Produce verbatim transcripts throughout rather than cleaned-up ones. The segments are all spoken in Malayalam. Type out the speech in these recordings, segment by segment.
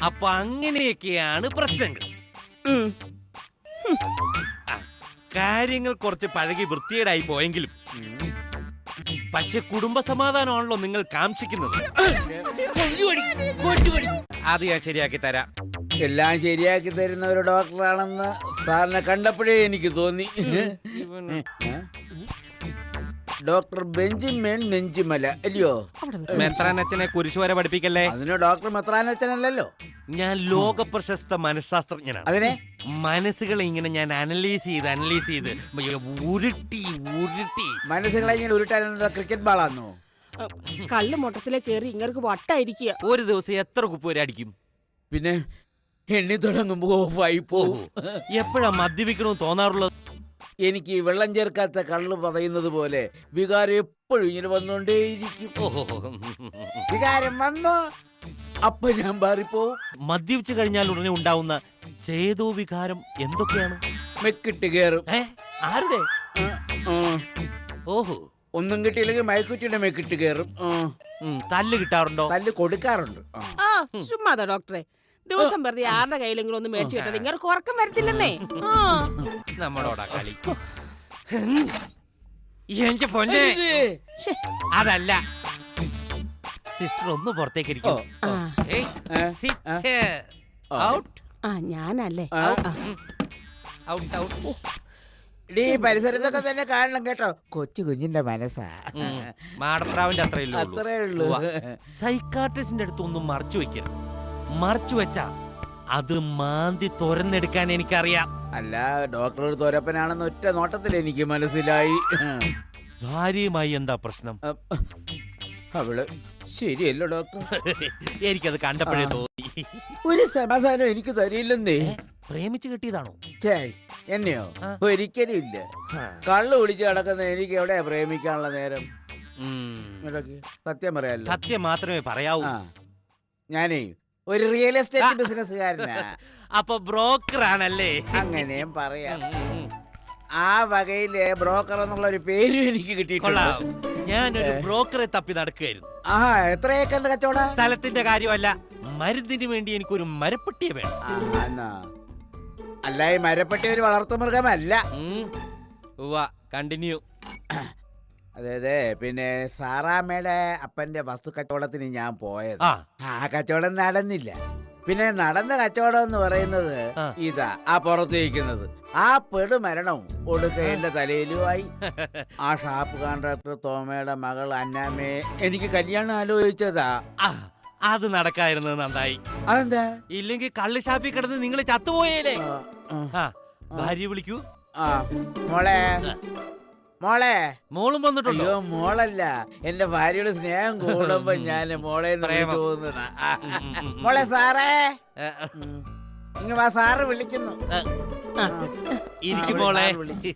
അപ്പൊ അങ്ങനെയൊക്കെയാണ് പ്രശ്നങ്ങൾ. കാര്യങ്ങൾ കുറച്ച് പഴകി വൃത്തികേടായി പോയെങ്കിലും പക്ഷെ കുടുംബ സമാധാനമാണല്ലോ നിങ്ങൾ കാംക്ഷിക്കുന്നത്. അത് ഞാൻ ശരിയാക്കി തരാം. എല്ലാം ശരിയാക്കി തരുന്ന ഒരു ഡോക്ടറാണെന്ന് സാറിനെ കണ്ടപ്പോഴേ എനിക്ക് തോന്നി. ഡോക്ടർ ബെഞ്ചമിൻ നെഞ്ചിമല അല്ലയോ? മെത്രാനച്ഛനെ കുരിശ് വരെ പഠിപ്പിക്കല്ലേ. അതിന് ഡോക്ടർ മെത്രാനച്ഛനല്ലോ. ഞാൻ ലോക പ്രശസ്ത മനഃശാസ്ത്രജ്ഞനാണ്. അതിനെ മനസ്സുകളെ ഇങ്ങനെ ഞാൻ അനലൈസ് ചെയ്ത് അനലൈസ് ചെയ്ത് ഉരുട്ടി ഉരുട്ടി മനസ്സുകളെ ഇങ്ങനെ ഉരുട്ടാനുള്ള ക്രിക്കറ്റ് ബാളാന്നോ? കള്ള് മൊട്ടത്തിലെ കേറി ഇങ്ങർക്ക് വട്ടായിരിക്കുക. ഒരു ദിവസം എത്ര കുപ്പ് വരെ അടിക്കും? പിന്നെ എണ്ണി തുടങ്ങുമ്പോ ഓഫായി പോവും. എപ്പോഴാ മദ്യപിക്കണമെന്ന് തോന്നാറുള്ളത്? എനിക്ക് വെള്ളം ചേർക്കാത്ത കള്ള് പറയുന്നത് പോലെ വികാരം എപ്പോഴും ഇങ്ങനെ വന്നോണ്ടേയിരിക്കും. വികാരം വന്നോ അപ്പൊ ഞാൻ മാറിപ്പോവും. മദ്യപിച്ചു കഴിഞ്ഞാൽ ഉടനെ ഉണ്ടാവുന്ന ചേതോ വികാരം എന്തൊക്കെയാണ്? മെക്കിട്ട് കയറും. ആരുടെ? ഓഹോ, ഒന്നും കിട്ടിയില്ലെങ്കിൽ മയക്കുറ്റിയുടെ മെക്കിട്ട് കയറും. തല്ല് കിട്ടാറുണ്ടോ? തല്ല് കൊടുക്കാറുണ്ട്. ആ ചുമ്മാതാ ഡോക്ടറെ, ദിവസം വെറുതെ ആരുടെ കയ്യിലെങ്കിലും ഒന്ന് മേടിച്ചു കിട്ടാതെ ഇങ്ങനെ ഉറക്കം വരത്തില്ലെന്നേ. നമ്മളോടാ കളി. എനിക്ക് പൊന്നെ, അതല്ല സിസ്റ്റർ ഒന്ന് പുറത്തേക്ക് ഇരിക്കും. ഞാനല്ലേ ഈ പരിസരത്തൊക്കെ തന്നെ കാണണം കേട്ടോ. കൊച്ചു കുഞ്ഞിന്റെ മനസ്സാ. മാടപ്രാവിന്റെ അത്രയല്ലേ അത്രേ ഉള്ളൂ. സൈക്കാട്രിസ്റ്റിന്റെ അടുത്ത് ഒന്നും മറച്ചു വെക്കരുത്. മറച്ചു വെച്ചാ അത് മാന്തി തുറന്നെടുക്കാൻ എനിക്കറിയാം. അല്ല, ഡോക്ടർ ഒരു തോരപ്പനാണെന്ന് ഒറ്റ നോട്ടത്തിൽ എനിക്ക് മനസ്സിലായി. ഭാര്യയുമായി എന്താ പ്രശ്നം? അവള് ശരിയല്ലോ ഡോക്ടർ. എനിക്കത് കണ്ടപ്പോഴേ തോന്നി. ഒരു സമാധാനം എനിക്ക് തരില്ലെന്നേ. പ്രേമിച്ച് കിട്ടിയതാണോ? എന്നെയോ? ഒരിക്കലും ഇല്ല. കള്ളു കുടിച്ച് കിടക്കുന്ന എനിക്ക് എവിടെയാ പ്രേമിക്കാനുള്ള നേരം? സത്യം പറയാലോ. സത്യം മാത്രമേ പറയാവൂ. ഞാനേ ഒരു റിയൽ എസ്റ്റേറ്റ് ബിസിനസ്സുകാരനാ. അപ്പൊ ബ്രോക്കർ ആണല്ലേ? അങ്ങനെയും പറയാം. ആ വകയിലെ ബ്രോക്കർ എന്നുള്ള ഒരു പേരും എനിക്ക് കിട്ടിയിട്ടുണ്ട്. ഞാനൊരു ബ്രോക്കറെ തപ്പി നടക്കുകയായിരുന്നു. ആ, എത്ര ഏക്കറിന്റെ കച്ചവടം? സ്ഥലത്തിന്റെ കാര്യമല്ല, മരുന്നിന് വേണ്ടി എനിക്കൊരു മരപ്പെട്ടിയെ വേണം. അല്ല, ഈ മരപ്പെട്ടി ഒരു വളർത്തു മൃഗമല്ല. കണ്ടിന്യൂ. അതെ അതെ. പിന്നെ സാറാമ്മയുടെ അപ്പന്റെ വസ്തു കച്ചവടത്തിന് ഞാൻ പോയത്. ആ കച്ചവടം നടന്നില്ല. പിന്നെ നടന്ന കച്ചവടം എന്ന് പറയുന്നത് ഇതാ, ആ പുറത്തേക്കുന്നത് ആ പെടുമരണവും ഒടുക്ക എന്റെ തലയിലുമായി. ആ ഷാപ്പ് കോൺട്രാക്ടർ തോമയുടെ മകൾ അന്നാമ്മയെ എനിക്ക് കല്യാണം ആലോചിച്ചതാ. അത് നടക്കായിരുന്നത് നന്നായി. അതെന്താ? ഇല്ലെങ്കിൽ കള്ള് ഷാപ്പിൽ കിടന്ന് നിങ്ങൾ ചത്തുപോയേലേ. ഭാര്യ വിളിക്കൂ. ആ മോളെ, മോളെ. മോളും വന്നിട്ടുണ്ടോ? അയ്യോ, മോളല്ല, എന്റെ ഭാര്യയുടെ സ്നേഹം കൂടുമ്പോ ഞാൻ മോളെ തോന്നുന്നതാ. മോളെ സാറേ, ഇങ്ങ വാ, സാറ് വിളിക്കുന്നു. ഇരിക്കും മോളെ.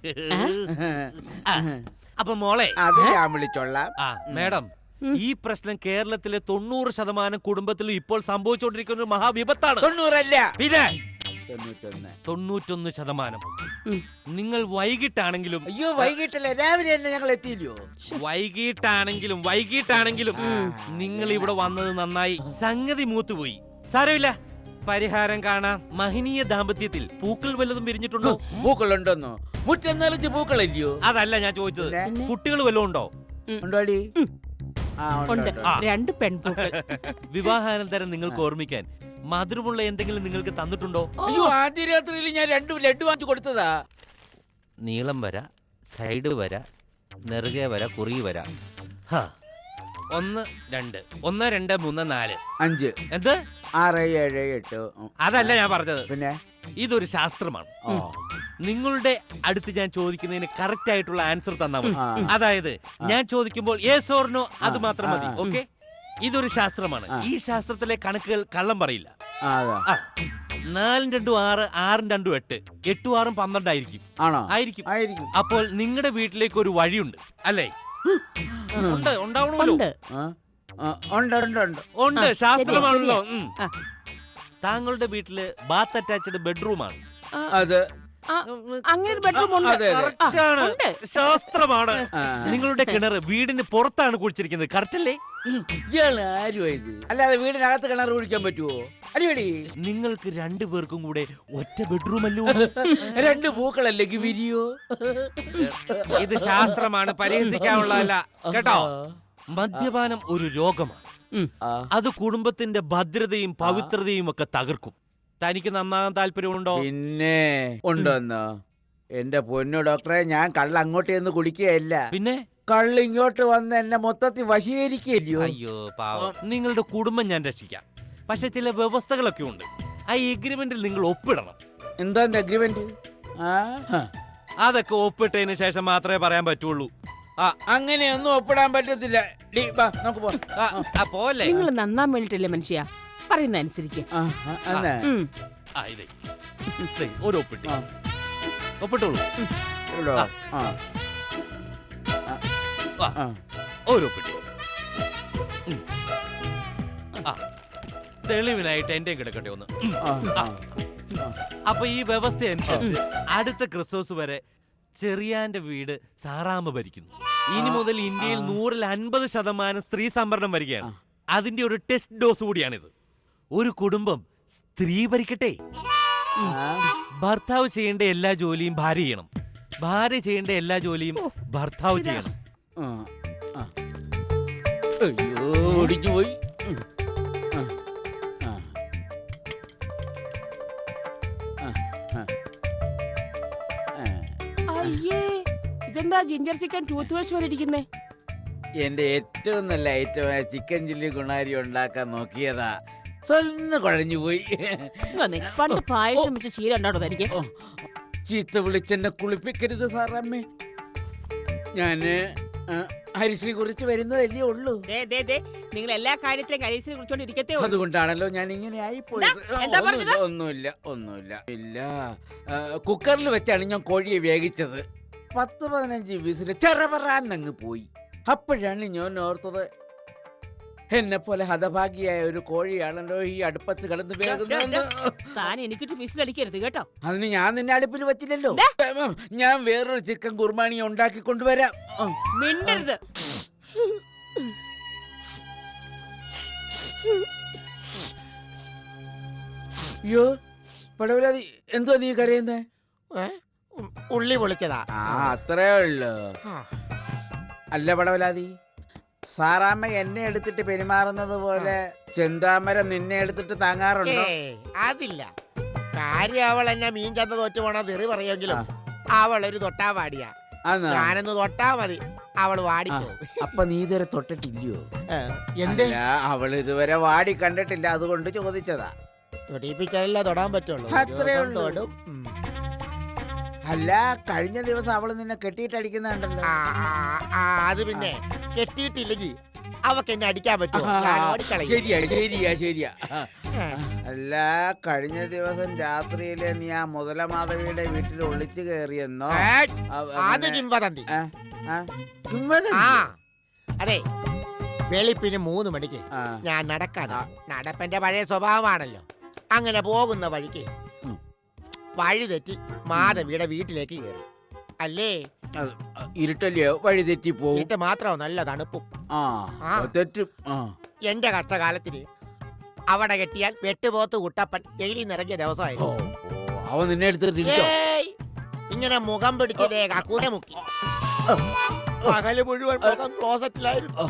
അപ്പൊ മോളെ അത് ഞാൻ വിളിച്ചോളാം. മേഡം, ഈ പ്രശ്നം കേരളത്തിലെ തൊണ്ണൂറ് ശതമാനം കുടുംബത്തിലും ഇപ്പോൾ സംഭവിച്ചുകൊണ്ടിരിക്കുന്ന ഒരു മഹാവിപത്താണ്. തൊണ്ണൂറല്ല, പിന്നെ തൊണ്ണൂറ്റൊന്ന് ശതമാനം. നിങ്ങൾ വൈകിട്ടാണെങ്കിലും. അയ്യോ, വൈകിട്ടല്ലേ, രാവിലെ തന്നെ ഞങ്ങൾ എത്തിയില്ലയോ? വൈകിട്ടാണെങ്കിലും വൈകിട്ടാണെങ്കിലും നിങ്ങൾ ഇവിടെ വന്നത് നന്നായി. സംഗതി മൂത്തുപോയി. സാരമില്ല, പരിഹാരം കാണാം. മഹനീയ ദാമ്പത്യത്തിൽ പൂക്കൾ വല്ലതും വിരിഞ്ഞിട്ടുണ്ടോ? പൂക്കൾ ഉണ്ടോന്നോ? മുറ്റം നിറച്ച് പൂക്കളില്ലയോ? അതല്ല ഞാൻ ചോദിച്ചത്. കുട്ടികൾ വല്ലതും ഉണ്ടോ? ഉണ്ടോടി? രണ്ട് പെൺപൂക്കൾ. വിവാഹാനന്തരം നിങ്ങൾക്ക് ഓർമ്മിക്കാൻ മധുരമുള്ള എന്തെങ്കിലും നിങ്ങൾക്ക് തന്നിട്ടുണ്ടോ? അയ്യോ, ആദ്യ രാത്രിയിൽ ഞാൻ രണ്ട് ലഡു വാങ്ങിച്ചു കൊടുത്തതാ. നീളം വര, സൈഡ് വര, നെറുകെ വര, കുറി വര. ഒന്ന് രണ്ട് ഒന്ന് രണ്ട് മൂന്ന് നാല് അഞ്ച് എന്ത് ആറ് ഏഴ് എട്ട്. അതല്ല ഞാൻ പറഞ്ഞത്. പിന്നെ ഇതൊരു ശാസ്ത്രമാണ്. നിങ്ങളുടെ അടുത്ത് ഞാൻ ചോദിക്കുന്നതിന് കറക്റ്റ് ആയിട്ടുള്ള ആൻസർ തന്നാൽ മതി. അതായത് ഞാൻ ചോദിക്കുമ്പോൾ യെസ് ഓർ നോ അത് മാത്രം മതി. ഓക്കെ? ഇതൊരു ശാസ്ത്രമാണ്. ഈ ശാസ്ത്രത്തിലെ കണക്കുകൾ കള്ളം പറയില്ല. നാലും രണ്ടും ആറ്, ആറും രണ്ടും എട്ട്, എട്ടും ആറും പന്ത്രണ്ടായിരിക്കും. ആയിരിക്കും. അപ്പോൾ നിങ്ങളുടെ വീട്ടിലേക്ക് ഒരു വഴിയുണ്ട് അല്ലേ? ഉണ്ട്, ഉണ്ടാവണമല്ലോ. ഉണ്ട്, ശാസ്ത്രമാണല്ലോ. താങ്കളുടെ വീട്ടില് ബാത്ത് അറ്റാച്ച്ഡ് ബെഡ്റൂമാണ്. അത് ആ, അങ്ങനെ ഒരു ബെഡ്റൂം ഉണ്ട്. അതെ, അതെ. ആ, Correct ആണ്. ഉണ്ട്. ശാസ്ത്രമാണ്. ആ. നിങ്ങളുടെ കിണർ വീടിന് പുറത്താണ് കുഴിച്ചിരിക്കുന്നത്, കറക്റ്റ് അല്ലേ? ഇയാള് ആരുമാ ഇത്? അല്ലാതെ വീടിനകത്ത് കിണർ കുഴിക്കാൻ പറ്റുമോ? അടിപൊളി. നിങ്ങൾക്ക് രണ്ടുപേർക്കും കൂടെ ഒറ്റ ബെഡ്റൂം അല്ലോ. രണ്ട് പൂക്കളല്ലെങ്കിൽ വിരിയോ? ഇത് ശാസ്ത്രമാണ്, പരിഹസിക്കാനുള്ളതല്ല കേട്ടോ. മദ്യപാനം ഒരു രോഗമാണ്. ഉം. അത് കുടുംബത്തിന്റെ ഭദ്രതയും പവിത്രതയും ഒക്കെ തകർക്കും. തനിക്ക് നന്നാകാൻ താല്പര്യമുണ്ടോ? പിന്നെ ഉണ്ടോന്നോ? എന്റെ പൊന്നു ഡോക്ടറെ, ഞാൻ കള്ള അങ്ങോട്ട് ചെന്ന് കുടിക്കുകയല്ല. പിന്നെ കള്ള് ഇങ്ങോട്ട് വന്ന് എന്നെ മൊത്തത്തിൽ വശീകരിക്കല്ലയോ? അയ്യോ പാവം, നിങ്ങളുടെ കുടുംബം ഞാൻ രക്ഷിക്കാം. പക്ഷെ ചില വ്യവസ്ഥകളൊക്കെ ഉണ്ട്. ആ എഗ്രിമെന്റിൽ നിങ്ങൾ ഒപ്പിടണം. എന്താ അഗ്രിമെന്റ്? അതൊക്കെ ഒപ്പിട്ടതിന് ശേഷം മാത്രമേ പറയാൻ പറ്റുള്ളൂ. ആ അങ്ങനെയൊന്നും ഒപ്പിടാൻ പറ്റത്തില്ല. ഡി, വാ, നമുക്ക് പോവാം. ആ, ആ, പോലെ നിങ്ങൾ നന്നാൻ വേണ്ടിട്ടല്ലേ മനുഷ്യ, പറയുന്ന അനുസരിക്ക്. ആ, ആ, എന്നാ? ഉം. ആ, ഇതേ. ദേ, ഒരു ഒപ്പിട്ടി ആ. ഒപ്പിട്ടോളൂ. ഉള്ളോ? ആ, ആ, ആ. ഒരു ഒപ്പിട്ടി. ഉം. ആ, തെളിവിനായിട്ട് എന്റെ കിടക്കട്ടെ ഒന്ന്. ഉം. ആ, ആ. അപ്പൊ ഈ വ്യവസ്ഥ അനുസരിച്ച് അടുത്ത ക്രിസ്മസ് വരെ ചെറിയാന്റെ വീട് സാറാമ്മ ഭരിക്കുന്നു. ഇനി മുതൽ ഇന്ത്യയിൽ നൂറിൽ അൻപത് ശതമാനം സ്ത്രീ സംവരണം വരികയാണ്. അതിന്റെ ഒരു ടെസ്റ്റ് ഡോസ് കൂടിയാണിത്. ഒരു കുടുംബം സ്ത്രീ ഭരിക്കട്ടെ. ഭർത്താവ് ചെയ്യേണ്ട എല്ലാ ജോലിയും ഭാര്യ ചെയ്യണം. ഭാര്യ ചെയ്യേണ്ട എല്ലാ ജോലിയും ഭർത്താവ് ചെയ്യണം. ആ, ആ. അയ്യോ, ഒടിഞ്ഞു പോയി. ഉം. ആ, ആ. ആ, ആ. ആ. അയ്യേ, ഇതെന്താ ജിഞ്ചർ ചിക്കൻ ടൂത്ത് വാഷ് പോലെ ഇരിക്കുന്നേ? എന്റെ ഏറ്റവും നല്ല ഐറ്റമായ ചിക്കൻ ചില്ലി ഗുണാരി ഉണ്ടാക്കാൻ നോക്കിയതാ, സ്വന്ന് കുഴഞ്ഞു പോയി. ഇങ്ങ് പണ്ട് പായസം വെച്ച് ശീലം ഉണ്ടോ തനിക്ക്? ഓ, ചീത്ത വിളിച്ചെന്നെ കുളിപ്പിക്കരുത് സാറമ്മേ. ഞാന് ആ, ഹരിശ്രീ കുറിച്ച് വരുന്നതല്ലേ ഉള്ളൂ. ദേ, ദേ, ദേ, നിങ്ങൾ എല്ലാ കാര്യത്തിലും കരീസിനെ കുറിച്ചോണ്ട് ഇരിക്കത്തേ ഉള്ളൂ. അതുകൊണ്ടാണല്ലോ ഞാൻ ഇങ്ങനെ ആയി പോയത്. എന്താ? എന്താ ഒന്നുമില്ല ഒന്നുമില്ല ഒന്നുമില്ല ഇല്ല. ആ, കുക്കറിൽ വെച്ചാണ് ഞാൻ കോഴിയെ വേവിച്ചത്. പത്ത് പതിനഞ്ച് വിസില് ചെറപറാന്നങ്ങ് പോയി. അപ്പോഴാണ് ഞാൻ ഓർത്തത്, എന്നെ പോലെ ഹതഭാഗിയായ ഒരു കോഴിയാണല്ലോ ഈ അടുപ്പത്ത് കിടന്ന് വേകുന്നതെന്ന്. താൻ എനിക്കിട്ട് വിസിലടിക്കരുത് കേട്ടോ. അതിന് ഞാൻ നിന്നെ അടുപ്പിൽ വെച്ചില്ലല്ലോ. ഞാൻ വേറൊരു ചിക്കൻ കുർബാനി ഉണ്ടാക്കി കൊണ്ടുവരാം. ആ. മിണ്ടരുത്. അയ്യോ പടവലാതി, എന്തുവാ നീ കരയുന്നേ? ഉള്ളി പൊളിച്ചതാ. ആ, അത്രേ ഉള്ളു. അല്ല പടവലാതി, സാറാമ്മ എന്നെ എടുത്തിട്ട് പെരുമാറുന്നത് പോലെ ചെന്താമര നിന്നെ എടുത്തിട്ട് താങ്ങാറുണ്ടോ? ഏയ്, അതില്ല. കാര്യം അവൾ എന്നെ മീൻ ചന്ത തോറ്റു പോണ തെറി പറയുമെങ്കിലും അവൾ ഒരു തൊട്ടാ വാടിയാ. ആന്നോ? ഞാനൊന്ന് തൊട്ടാ മതി, അവൾ ആ, വാടിപ്പോ. അപ്പൊ നീ ഇതുവരെ തൊട്ടിട്ടില്ലയോ? എന്ത് അല്ല, അവൾ ഇതുവരെ വാടി കണ്ടിട്ടില്ല, അതുകൊണ്ട് ചോദിച്ചതാ. തൊടിപ്പിച്ചാലല്ല തൊടാൻ പറ്റുള്ളൂ. അത്രേ ഒരു ദിവസം ഉള്ളൂ. തൊടും. ഉം. അല്ല, കഴിഞ്ഞ ദിവസം അവള് നിന്നെ കെട്ടിയിട്ടടിക്കുന്നുണ്ടല്ലോ. ആ, ആ, ആ, അത് പിന്നെ കെട്ടിയിട്ടില്ലെങ്കിൽ അവക്ക് എന്നെ അടിക്കാൻ പറ്റുമോ? ഞാൻ ഓടിക്കളയും. ശരിയാ ശരിയാ ശരിയാ. ഏ, അല്ല, കഴിഞ്ഞ ദിവസം രാത്രിയില് നീ ആ മുതലമാധവിയുടെ വീട്ടിൽ ഒളിച്ചു കയറിയെന്നോ? ഏ, അവ- അത് അങ്ങനെ- കിംവദന്തി. ആ, ആ, കിംവദന്തി? ആ, അതെ, വെളുപ്പിന് മൂന്ന് മണിക്ക് ആ, ഞാൻ നടക്കാൻ നടപ്പന്റെ പഴയ സ്വഭാവമാണല്ലോ. അങ്ങനെ പോകുന്ന വഴിക്ക് ഉം. വഴി തെറ്റി മാധവിയുടെ വീട്ടിലേക്ക് കയറി. അല്ലേ, അത് ഇരുട്ടല്ലയോ, വഴി തെറ്റി പോവും. വീട്ട് മാത്രമോ നല്ല തണുപ്പും. ആ, ആ. തെറ്റും. ആ, എന്റെ കഷ്ടകാലത്തിന് അവിടെ കെട്ടിയാൽ വെട്ടുപോത്ത് കുട്ടപ്പൻ ജയിലിൽ നിറങ്ങിയ ഓ, ദിവസമായിരുന്നു. ഓ, അവൻ നിന്നെ എടുത്തിട്ടില്ലോ? ഏയ്, ഇങ്ങനെ മുഖം പിടിച്ചതേ കക്കൂനെ മുക്കി. പകല് മുഴുവൻ മുഖം ക്ലോസറ്റിലായിരുന്നു.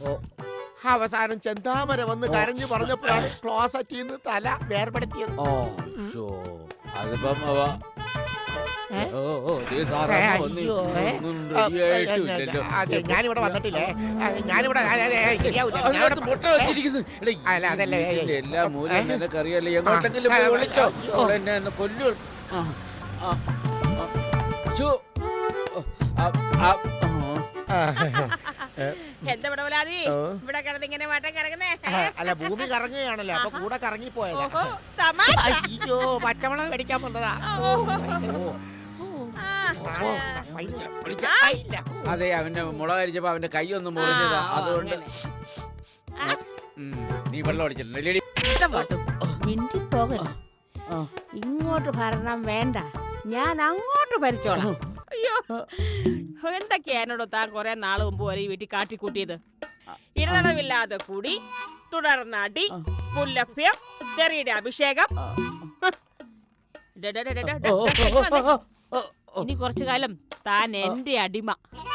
അവസാനം ചെന്താമര വന്ന് കരഞ്ഞു പറഞ്ഞപ്പോഴാണ് ക്ലോസറ്റിൽ നിന്ന് തല വേർപെടുത്തിയത്. ഓ, ശോ, അതിപ്പം അവ ഏ? ഓ, ഓ, ദേ ഏ, സാറമ്മ വന്ന് അയ്യോ, ഏ. ഒന്നും ആ, റെഡിയായിട്ടില്ലല്ലോ. അതെ, ഞാനിവിടെ വന്നിട്ടില്ലേ? ആ, ഞാനിവിടെ ആ, അതെ, ഏ, ശരിയാവൂല. അതിനകത്ത് ഞാനിവിടെ മുട്ട വെച്ചിരിക്കുന്നു. എടാ, ഈ അല്ല, അതല്ല, ഏ, ഏ. ഇതിന്റെ എല്ലാ മൂലം ഏ? നിനക്കറിയാലോ. എങ്ങോട്ടെങ്കിലും ആ, പോയി ആ, വിളിച്ചോ, അയ്യോ. അവൾ എന്നെ ഒന്ന് കൊല്ലു. ആ, ആ, ആ. ഛോ. ആ, ആ, ആ. എന്താ പടവലാതി ഓ. ഇവിടെ കിടന്ന് ഇങ്ങനെ വട്ടം കിടക്കുന്നേ? ആ, അല്ല, ഭൂമി കറങ്ങുകയാണല്ലോ, അപ്പൊ കൂടെ കറങ്ങി പോയതാ. ഓഹോ, തമാശ. അയ്യോ, പച്ചമുളക് മേടിക്കാൻ വന്നതാ. ഓഹോ. ഓ, ആ, ഓ, ആ. ഫൈന, വിളിച്ച- ആ, ഇല്ല. അതെ, അവന്റെ മുളക് അരിച്ചപ്പോ അവന്റെ കൈ ഒന്ന് മുറിഞ്ഞതാ, ആ, ഓ, അതുകൊണ്ട്. അങ്ങനെ. ഉം, നീ വെള്ളം അടിച്ചിട്ടുണ്ട്. ഇഷ്ടം പാട്ടും മിണ്ടി പോകരുത്. ആ. ഇങ്ങോട്ട് ഭരണം വേണ്ട, ഞാൻ അങ്ങോട്ട് ഭരിച്ചോളാം. അയ്യോ, എന്തൊക്കെയാ എന്നോട് താൻ കുറെ നാള് മുമ്പ് വരെ ഈ വീട്ടിൽ കാട്ടിക്കൂട്ടിയത്. ഇടതടവില്ലാതെ കൂടി, തുടർന്ന് അടി, പുല്ലഭ്യം, തെറിയുടെ അഭിഷേകം. ഡെ, ഡെ, ഡെ, ഡെ, ഡെ, ഡെ, ഇങ്ങ് വന്നേ. ഇനി കുറച്ചു കാലം താൻ എന്റെ അടിമ.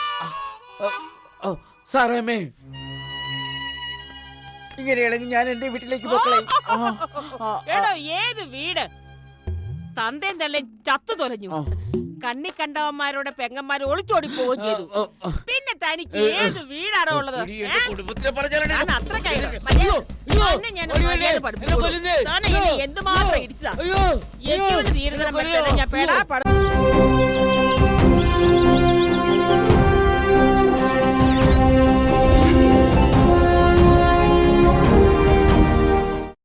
സാറാമേ, ഇങ്ങനെയാണെങ്കിൽ ഞാൻ എന്റെ വീട്ടിലേക്ക് പോക്കളെ. എടോ, ഏത് വീട്? തന്തേം തള്ളേം ചത്തു തൊലഞ്ഞു. കണ്ണി കണ്ടവന്മാരുടെ പെങ്ങന്മാര് ഒളിച്ചോടി പോവുകയും ചെയ്തു. പിന്നെ തനിക്ക് ഏത് വീടാണോ ഉള്ളത്? ഞാൻ അത്ര എന്തുമാത്രം ഇടിച്ചതാ. എനിക്ക് തീരുന്ന ഞാൻ പേടാ